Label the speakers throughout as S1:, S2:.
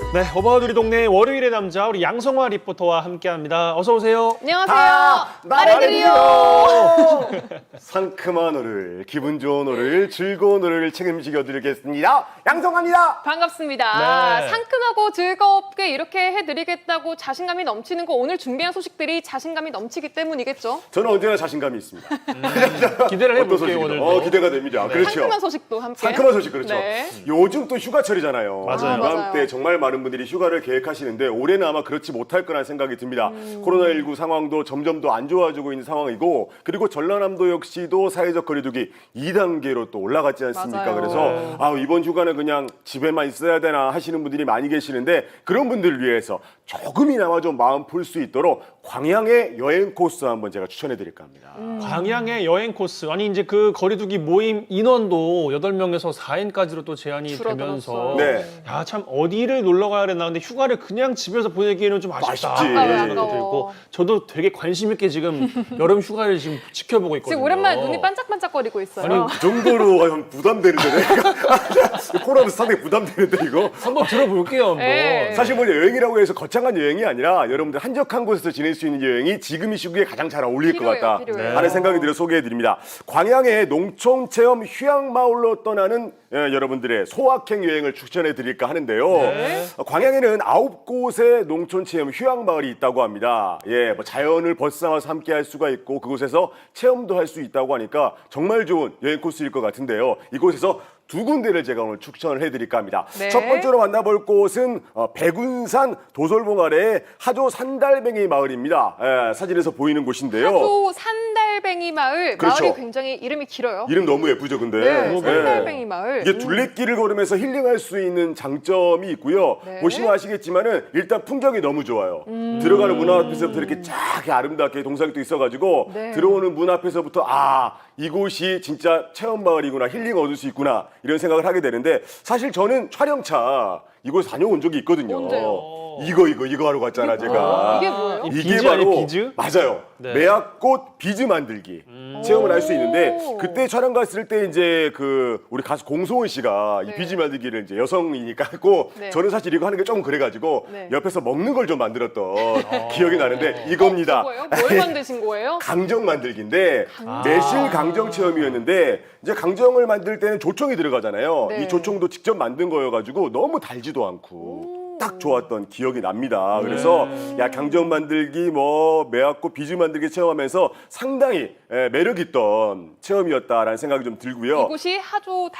S1: 네, 어바웃 우리 동네 월요일의 남자 우리 양성화 리포터와 함께합니다. 어서 오세요.
S2: 안녕하세요.
S3: 말해드리요. 상큼한 오늘, 기분 좋은 오늘, 즐거운 오늘을 책임지겨 드리겠습니다. 양성화입니다.
S2: 반갑습니다.
S1: 네.
S2: 상큼하고 즐겁게 이렇게 해드리겠다고 자신감이 넘치는 거 오늘 준비한 소식들이 자신감이 넘치기 때문이겠죠?
S3: 저는 언제나 자신감이 있습니다.
S1: 기대를
S3: 어떤
S1: 해볼게요
S3: 소식이든.
S1: 오늘도.
S3: 기대가 됩니다. 그렇죠.
S2: 상큼한 소식도 함께.
S3: 상큼한 소식 그렇죠.
S2: 네.
S3: 요즘 또 휴가철이잖아요.
S1: 맞아요.
S3: 이맘때
S2: 맞아요.
S3: 정말 많은 분들이 휴가를 계획하시는데 올해는 아마 그렇지 못할 거라는 생각이 듭니다. 코로나19 상황도 점점 더 안 좋아지고 있는 상황이고 그리고 전라남도 역시도 사회적 거리두기 2단계로 또 올라갔지 않습니까?
S2: 맞아요.
S3: 그래서 이번 휴가는 그냥 집에만 있어야 되나 하시는 분들이 많이 계시는데 그런 분들을 위해서 조금이나마 좀 마음 풀 수 있도록 광양의 여행 코스 한번 제가 추천해 드릴까 합니다.
S1: 광양의 여행 코스. 아니 이제 그 거리두기 모임 인원도 8명에서 4인까지로 또 제한이
S2: 줄어들었어요.
S1: 되면서
S3: 네.
S1: 야, 참 어디를 놀러 가야 되나. 근데 휴가를 그냥 집에서 보내기에는 좀 아쉽다.
S3: 아쉽지.
S1: 그런 생각이
S2: 아까워.
S1: 들고 저도 되게 관심 있게 지금 여름 휴가를 지금 지켜보고 있거든요.
S2: 지금 오랜만에 눈이 반짝반짝거리고 있어요.
S1: 아니,
S3: 그 정도로 형 부담되는데 내가 코로나도 상당히 부담되는데 이거
S1: 한번 들어볼게요. 한번.
S2: 네.
S3: 사실 뭐 여행이라고 해서 거창한 여행이 아니라 여러분들 한적한 곳에서 지낼 수 있는 여행이 지금 이 시국에 가장 잘 어울릴 것
S2: 필요해요,
S3: 같다
S2: 필요해요.
S3: 하는 생각이 들어 소개해드립니다. 광양의 농촌 체험 휴양마을로 떠나는 여러분들의 소확행 여행을 추천해드릴까 하는데요.
S1: 네.
S3: 광양에는 9곳의 농촌 체험 휴양마을이 있다고 합니다. 뭐 자연을 벗삼아서 함께할 수가 있고 그곳에서 체험도 할 수 있다고 하니까 정말 좋은 여행 코스일 것 같은데요. 이곳에서 두 군데를 제가 오늘 추천을 해드릴까 합니다.
S2: 네.
S3: 첫 번째로 만나볼 곳은 백운산 도솔봉 아래의 하조 산달뱅이 마을입니다. 사진에서 보이는 곳인데요.
S2: 하조 산달뱅이 마을.
S3: 그렇죠.
S2: 마을이 굉장히 이름이 길어요.
S3: 이름 너무 예쁘죠, 근데.
S2: 네, 산달뱅이 마을.
S3: 이게 둘레길을 걸으면서 힐링할 수 있는 장점이 있고요.
S2: 네.
S3: 보시면 아시겠지만은 일단 풍경이 너무 좋아요. 들어가는 문 앞에서부터 이렇게 쫙 아름답게 동상도 있어가지고
S2: 네.
S3: 들어오는 문 앞에서부터 이곳이 진짜 체험 마을이구나, 힐링 얻을 수 있구나 이런 생각을 하게 되는데 사실 저는 촬영차 이곳 다녀온 적이 있거든요.
S2: 언제요?
S3: 이거 하러 갔잖아 제가.
S2: 이게 뭐예요?
S1: 이 비즈 아니에요, 비즈?
S3: 맞아요.
S1: 네.
S3: 매화꽃 비즈 만들기 체험을 할 수 있는데
S2: 오.
S3: 그때 촬영 갔을 때 이제 그 우리 가수 공소은 씨가
S2: 네.
S3: 이 비즈 만들기를 이제 여성이니까 했고
S2: 네.
S3: 저는 사실 이거 하는 게 조금 그래가지고
S2: 네.
S3: 옆에서 먹는 걸 좀 만들었던 기억이 나는데 이겁니다.
S2: 뭐예요? 뭘 만드신 거예요?
S3: 강정 만들기인데 매실 강정 체험이었는데 이제 강정을 만들 때는 조청이 들어가잖아요.
S2: 네.
S3: 이 조청도 직접 만든 거여가지고 너무 달지도 않고 딱 좋았던 기억이 납니다. 그래서 야 강정 만들기 뭐 매화꽃 비즈 만들기 체험하면서 상당히 매력 있던 체험이었다라는 생각이 좀 들고요.
S2: 이곳이 하조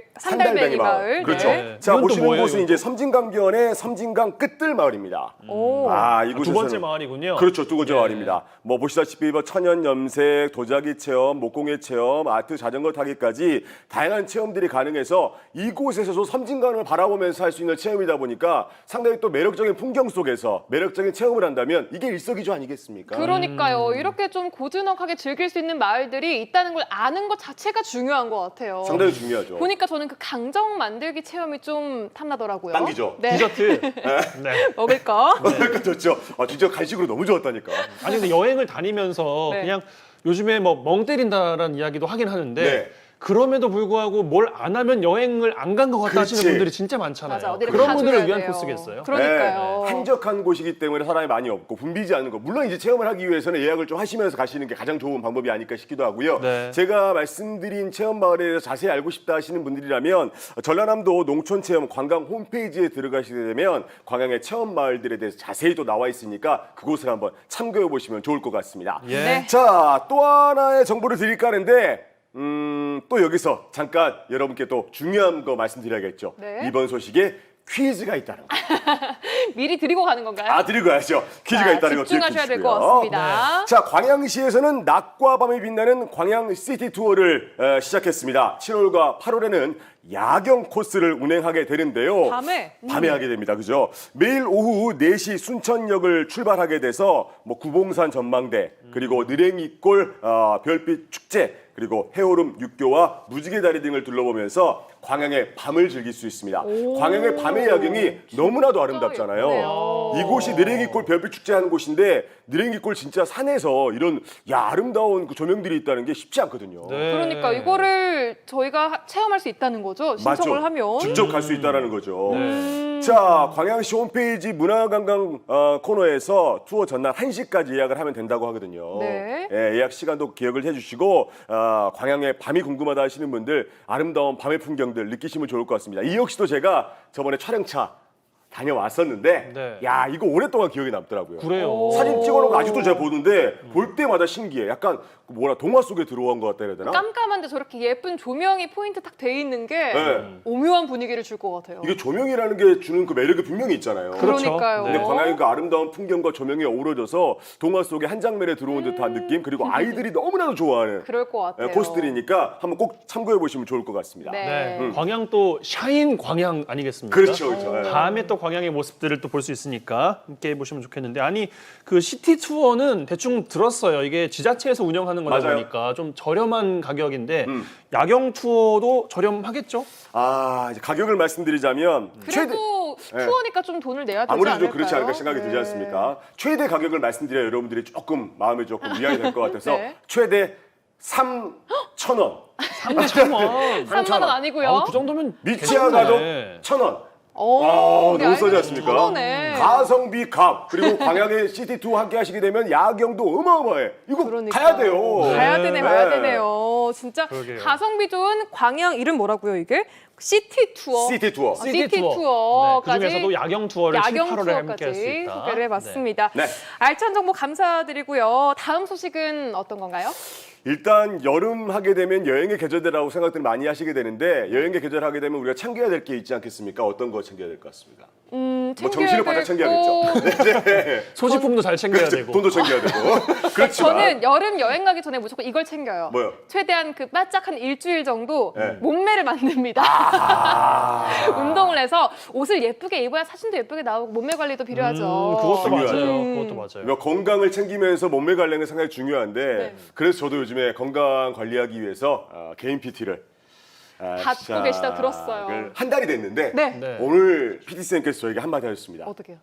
S2: 산달뱅이 마을.
S3: 그렇죠.
S2: 네.
S3: 자
S1: 이건 또
S3: 보시는
S1: 뭐예요,
S3: 곳은
S1: 이건
S3: 이제 섬진강변의 섬진강 끝들 마을입니다.
S2: 오.
S3: 이곳에서는
S1: 두 번째 마을이군요.
S3: 그렇죠. 두 번째
S1: 예.
S3: 마을입니다. 뭐 보시다시피 뭐 천연 염색, 도자기 체험, 목공예 체험, 아트 자전거 타기까지 다양한 체험들이 가능해서 이곳에서도 섬진강을 바라보면서 할 수 있는 체험이다 보니까 상당히 또 매력적인 풍경 속에서 매력적인 체험을 한다면 이게 일석이조 아니겠습니까?
S2: 그러니까요. 이렇게 좀 고즈넉하게 즐길 수 있는 마을들이 있다는 걸 아는 것 자체가 중요한 것 같아요.
S3: 상당히 중요하죠.
S2: 보니까 저는 그 강정 만들기 체험이 좀 탐나더라고요.
S3: 당기죠.
S2: 네.
S1: 디저트. 네.
S2: 먹을까?
S3: 그러니까 좋죠. 진짜 간식으로 너무 좋았다니까.
S1: 아니 근데 여행을 다니면서
S2: 네.
S1: 그냥 요즘에 뭐 멍 때린다라는 이야기도 하긴 하는데
S3: 네.
S1: 그럼에도 불구하고 뭘 안 하면 여행을 안 간 것 같다 하시는
S3: 그렇지.
S1: 분들이 진짜 많잖아요.
S2: 맞아. 어디를
S1: 그런
S2: 가줘야
S1: 분들을 위한
S2: 돼요.
S1: 코스겠어요?
S2: 그러니까요.
S3: 한적한 곳이기 때문에 사람이 많이 없고 붐비지 않는 거. 물론 이제 체험을 하기 위해서는 예약을 좀 하시면서 가시는 게 가장 좋은 방법이 아닐까 싶기도 하고요.
S1: 네.
S3: 제가 말씀드린 체험 마을에 대해서 자세히 알고 싶다 하시는 분들이라면 전라남도 농촌 체험 관광 홈페이지에 들어가시게 되면 광양의 체험 마을들에 대해서 자세히 또 나와 있으니까 그곳을 한번 참고해 보시면 좋을 것 같습니다.
S1: 예.
S2: 네.
S3: 자, 또 하나의 정보를 드릴까 하는데 또 여기서 잠깐 여러분께 또 중요한 거 말씀드려야겠죠.
S2: 네.
S3: 이번 소식에 퀴즈가 있다는 거.
S2: 미리 드리고 가는 건가요?
S3: 드리고 가야죠. 퀴즈가
S2: 자,
S3: 있다는 거
S2: 집중하셔야 될 것
S3: 기억해 주시고요.
S2: 같습니다.
S3: 자, 광양시에서는 낮과 밤이 빛나는 광양 시티 투어를 시작했습니다. 7월과 8월에는 야경 코스를 운행하게 되는데요.
S2: 밤에?
S3: 밤에 하게 됩니다. 그죠? 매일 오후 4시 순천역을 출발하게 돼서 뭐 구봉산 전망대, 그리고 느랭이골 별빛 축제, 그리고 해오름 육교와 무지개 다리 등을 둘러보면서 광양의 밤을 즐길 수 있습니다. 광양의 밤의 야경이 너무나도 아름답잖아요.
S2: 예쁘네요.
S3: 이곳이 느랭이골 별빛 축제 하는 곳인데 느랭이골 진짜 산에서 이런 아름다운 그 조명들이 있다는 게 쉽지 않거든요.
S1: 네.
S2: 그러니까 이거를 저희가 체험할 수 있다는 거죠. 신청을
S3: 맞죠?
S2: 하면.
S3: 직접 갈 수 있다는 거죠.
S1: 네.
S3: 자, 광양시 홈페이지 문화관광 코너에서 투어 전날 1시까지 예약을 하면 된다고 하거든요.
S2: 네.
S3: 예, 예약 시간도 기억을 해주시고 광양의 밤이 궁금하다 하시는 분들 아름다운 밤의 풍경들 느끼시면 좋을 것 같습니다. 이 역시도 제가 저번에 촬영차 다녀왔었는데
S1: 네.
S3: 야, 이거 오랫동안 기억에 남더라고요.
S1: 그래요.
S3: 사진 찍어놓은 거 아직도 제가 보는데 볼 때마다 신기해. 약간 동화 속에 들어온 것 같다 해야 되나?
S2: 깜깜한데 저렇게 예쁜 조명이 포인트 딱 돼 있는 게
S3: 네.
S2: 오묘한 분위기를 줄 것 같아요.
S3: 이게 조명이라는 게 주는 그 매력이 분명히 있잖아요.
S1: 그렇죠.
S2: 그러니까요.
S3: 근데 광양의 그 아름다운 풍경과 조명이 어우러져서 동화 속의 한 장면에 들어온 듯한 느낌, 그리고 아이들이 너무나도 좋아하는
S2: 그럴 것 같아요.
S3: 코스들이니까 한번 꼭 참고해 보시면 좋을 것 같습니다.
S2: 네.
S1: 네. 광양 또 샤인 광양 아니겠습니까?
S3: 그렇죠, 그렇죠. 예.
S1: 다음에 또 광양의 모습들을 또 볼 수 있으니까 함께 해보시면 좋겠는데, 아니 그 시티 투어는 대충 들었어요. 이게 지자체에서 운영하는 거다
S3: 맞아요.
S1: 보니까 좀 저렴한 가격인데 야경 투어도 저렴하겠죠?
S3: 이제 가격을 말씀드리자면
S2: 그래도
S3: 네.
S2: 투어니까 좀 돈을 내야 되지
S3: 아무래도
S2: 않을까요?
S3: 좀 그렇지 않을까 생각이 들지
S2: 네.
S3: 않습니까? 최대 가격을 말씀드려야 여러분들이 조금 마음에 조금 위안이 될 것 같아서
S2: 네.
S3: 최대 3,000원.
S1: 3,000원.
S2: 3만 원 아니고요.
S1: 그 정도면
S3: 미치아 가도
S1: 괜찮네.
S3: 1,000원.
S2: 오,
S3: 너무 싸지 않습니까?
S2: 천원에.
S3: 가성비 값, 그리고 광양의 시티 투어 함께 하시게 되면 야경도 어마어마해. 이거
S2: 그러니까.
S3: 가야 돼요.
S2: 가야 되네,
S3: 네.
S2: 가야 되네요. 진짜
S1: 그러게요.
S2: 가성비 좋은 광양 이름 뭐라고요, 이게? 시티 투어.
S3: 시티 투어.
S2: 시티
S1: 네,
S2: 투어까지.
S1: 그중에서도 야경 투어를 7, 8월에 함께 할 수
S2: 투어까지
S1: 있다.
S2: 소개를 해봤습니다.
S3: 네.
S2: 알찬 정보 감사드리고요. 다음 소식은 어떤 건가요?
S3: 일단 여름 하게 되면 여행의 계절이라고 생각들을 많이 하시게 되는데 여행의 계절 하게 되면 우리가 챙겨야 될 게 있지 않겠습니까? 어떤 거 챙겨야 될 것 같습니까?
S2: 챙겨야
S3: 정신을 바짝 챙겨야겠죠. 네.
S1: 소지품도 잘 챙겨야 되고.
S3: 돈도 챙겨야 되고. 그렇지만
S2: 저는 여름 여행 가기 전에 무조건 이걸 챙겨요.
S3: 뭐요?
S2: 최대한 그 바짝 한 일주일 정도
S3: 네.
S2: 몸매를 만듭니다. 운동을 해서 옷을 예쁘게 입어야 사진도 예쁘게 나오고 몸매 관리도 필요하죠.
S1: 그것도
S3: 중요하죠.
S1: 맞아요. 그것도 맞아요.
S3: 그러니까 건강을 챙기면서 몸매 관리는 상당히 중요한데
S2: 네.
S3: 그래서 저도 요즘에 건강 관리하기 위해서 개인 PT를
S2: 받고 계시다고 들었어요.
S3: 한 달이 됐는데
S2: 네.
S1: 네.
S3: 오늘 PT쌤께서 저에게 한마디 하셨습니다.
S2: 어떻게요?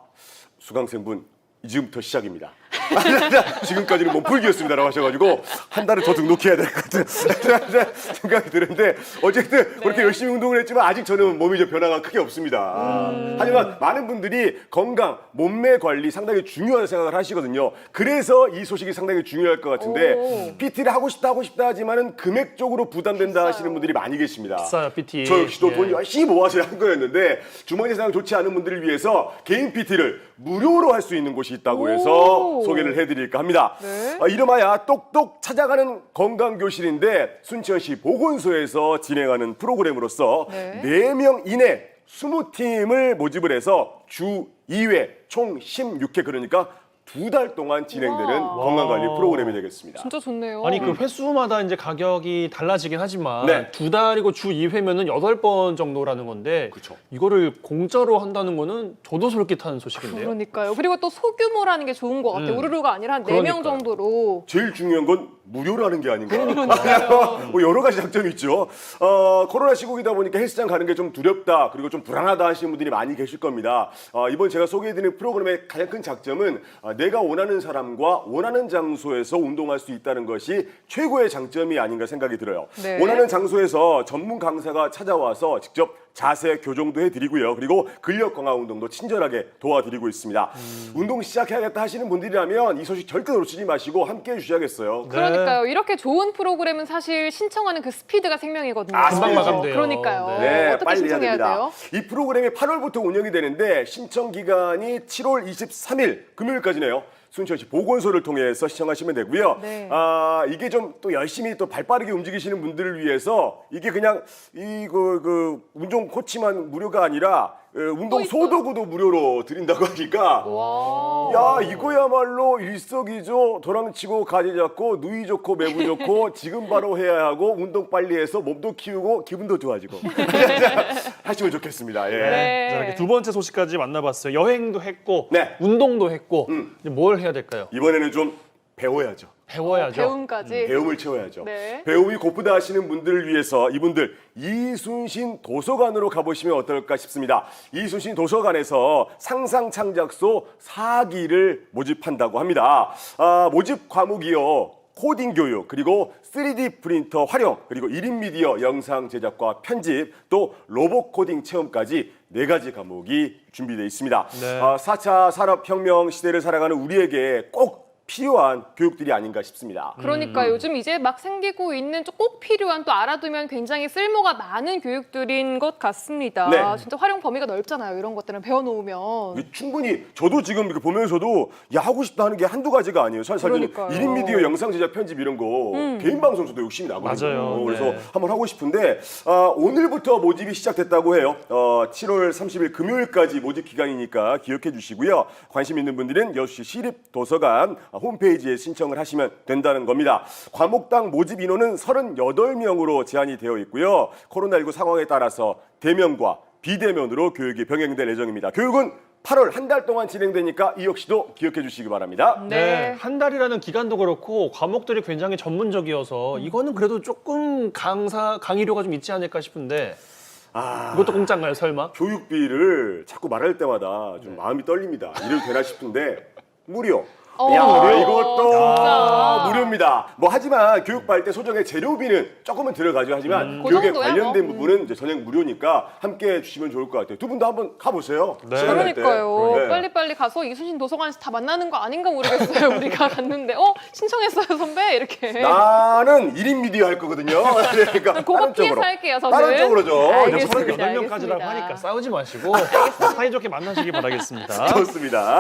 S3: 수강생분 지금부터 시작입니다. 지금까지는 몸풀기였습니다라고 하셔가지고 한 달을 더 등록해야 될 것 같은 생각이 드는데 어쨌든 그렇게 열심히 운동을 했지만 아직 저는 몸이 좀 변화가 크게 없습니다. 하지만 많은 분들이 건강, 몸매 관리 상당히 중요한 생각을 하시거든요. 그래서 이 소식이 상당히 중요할 것 같은데
S2: 오.
S3: PT를 하고 싶다 하지만은 금액적으로 부담된다
S2: 비싸요.
S3: 하시는 분들이 많이 계십니다.
S1: 비싸요, PT.
S3: 저 역시도
S1: 예.
S3: 돈 열심히 모아서 한 거였는데 주머니 상황 좋지 않은 분들을 위해서 개인 PT를 무료로 할 수 있는 곳이 있다고 해서
S2: 오.
S3: 소개를 해드릴까 합니다.
S2: 네.
S3: 이름하여 똑똑 찾아가는 건강교실인데 순천시 보건소에서 진행하는 프로그램으로서
S2: 네.
S3: 4명 이내 20팀을 모집을 해서 주 2회 총 16회 그러니까 2달 동안 진행되는
S2: 우와.
S3: 건강관리 프로그램이 되겠습니다.
S2: 진짜 좋네요.
S1: 아니 그 횟수마다 이제 가격이 달라지긴 하지만
S3: 네.
S1: 2달이고 주 2회면은 8번 정도라는 건데
S3: 그쵸.
S1: 이거를 공짜로 한다는 거는 저도 솔깃한 소식인데요.
S2: 그러니까요. 그리고 또 소규모라는 게 좋은 것 같아요. 우르르가 아니라 한 4명
S1: 그러니까요.
S2: 정도로.
S3: 제일 중요한 건 무료라는 게 아닌가.
S2: 그러니까요.
S3: 뭐 여러 가지 장점이 있죠. 코로나 시국이다 보니까 헬스장 가는 게 좀 두렵다 그리고 좀 불안하다 하시는 분들이 많이 계실 겁니다. 이번 제가 소개해드리는 프로그램의 가장 큰 장점은 내가 원하는 사람과 원하는 장소에서 운동할 수 있다는 것이 최고의 장점이 아닌가 생각이 들어요.
S2: 네.
S3: 원하는 장소에서 전문 강사가 찾아와서 직접 자세 교정도 해드리고요. 그리고 근력 강화 운동도 친절하게 도와드리고 있습니다. 운동 시작해야겠다 하시는 분들이라면 이 소식 절대 놓치지 마시고 함께 해주셔야겠어요.
S2: 그러니까요. 이렇게 좋은 프로그램은 사실 신청하는 그 스피드가 생명이거든요.
S3: 금방
S1: 마감돼요.
S2: 그러니까요.
S3: 네,
S2: 어떻게
S3: 빨리 해야
S2: 신청해야
S3: 됩니다.
S2: 돼요?
S3: 이 프로그램이 8월부터 운영이 되는데 신청 기간이 7월 23일 금요일까지네요. 순천시 보건소를 통해서 시청하시면 되고요.
S2: 네.
S3: 이게 좀 또 열심히 또 발빠르게 움직이시는 분들을 위해서 이게 그냥 그 운동 코치만 무료가 아니라 운동
S2: 있어요?
S3: 소도구도 무료로 드린다고 하니까
S2: 와.
S3: 야 이거야말로 일석이조 도랑치고 가지 잡고 누이 좋고 매부 좋고 지금 바로 해야 하고 운동 빨리 해서 몸도 키우고 기분도 좋아지고 하시면 좋겠습니다. 예.
S2: 네.
S1: 자, 이렇게 두 번째 소식까지 만나봤어요. 여행도 했고
S3: 네.
S1: 운동도 했고 이제 뭘 해야 될까요?
S3: 이번에는 좀 배워야죠.
S1: 배워야죠.
S2: 배움까지.
S3: 배움을 채워야죠.
S2: 네.
S3: 배움이 고프다 하시는 분들을 위해서 이분들 이순신 도서관으로 가보시면 어떨까 싶습니다. 이순신 도서관에서 상상창작소 4기를 모집한다고 합니다. 모집 과목이요. 코딩 교육, 그리고 3D 프린터 활용, 그리고 1인 미디어 영상 제작과 편집, 또 로봇 코딩 체험까지 4가지 과목이 준비되어 있습니다.
S1: 네.
S3: 4차 산업혁명 시대를 살아가는 우리에게 꼭 필요한 교육들이 아닌가 싶습니다.
S2: 그러니까 요즘 이제 막 생기고 있는 좀 꼭 필요한 또 알아두면 굉장히 쓸모가 많은 교육들인 것 같습니다.
S3: 네.
S2: 진짜 활용 범위가 넓잖아요. 이런 것들은 배워놓으면.
S3: 이게 충분히 저도 지금 이렇게 보면서도 야 하고 싶다 하는 게 한두 가지가 아니에요. 사실
S2: 그러니까요.
S3: 1인 미디어 영상 제작 편집 이런 거 개인 방송 저도 욕심이 나거든요.
S1: 맞아요.
S3: 그래서
S1: 네.
S3: 한번 하고 싶은데 오늘부터 모집이 시작됐다고 해요. 7월 30일 금요일까지 모집 기간이니까 기억해 주시고요. 관심 있는 분들은 여수시 시립도서관 홈페이지에 신청을 하시면 된다는 겁니다. 과목당 모집 인원은 38명으로 제한이 되어 있고요. 코로나19 상황에 따라서 대면과 비대면으로 교육이 병행될 예정입니다. 교육은 8월 한 달 동안 진행되니까 이 역시도 기억해 주시기 바랍니다.
S2: 네.
S1: 한 달이라는 기간도 그렇고 과목들이 굉장히 전문적이어서 이거는 그래도 조금 강의료가 좀 있지 않을까 싶은데 이것도 공짜인가요, 설마?
S3: 교육비를 자꾸 말할 때마다 좀 마음이 떨립니다. 이래도 되나 싶은데 무료.
S2: 야,
S3: 무료? 이것도
S2: 진짜.
S3: 무료입니다. 뭐 하지만 교육받을 때 소정의 재료비는 조금은 들어가죠. 하지만
S2: 그
S3: 교육에
S2: 정도야,
S3: 관련된
S2: 뭐.
S3: 부분은 이제 전액 무료니까 함께 해주시면 좋을 것 같아요. 두 분도 한번 가보세요.
S1: 네.
S3: 시간 날 때.
S2: 그러니까요.
S3: 네.
S2: 빨리빨리 가서 이순신 도서관에서 다 만나는 거 아닌가 모르겠어요. 우리가 갔는데 신청했어요 선배 이렇게.
S3: 나는 1인 미디어 할 거거든요. 그러니까
S2: 그거
S3: 다른
S2: 피해서
S3: 쪽으로.
S2: 할게요, 저는.
S3: 다른 쪽으로죠.
S2: 알겠습니다.
S1: 38명까지라고
S2: 알겠습니다.
S1: 하니까 싸우지 마시고 사이좋게 만나시기 바라겠습니다.
S3: 좋습니다.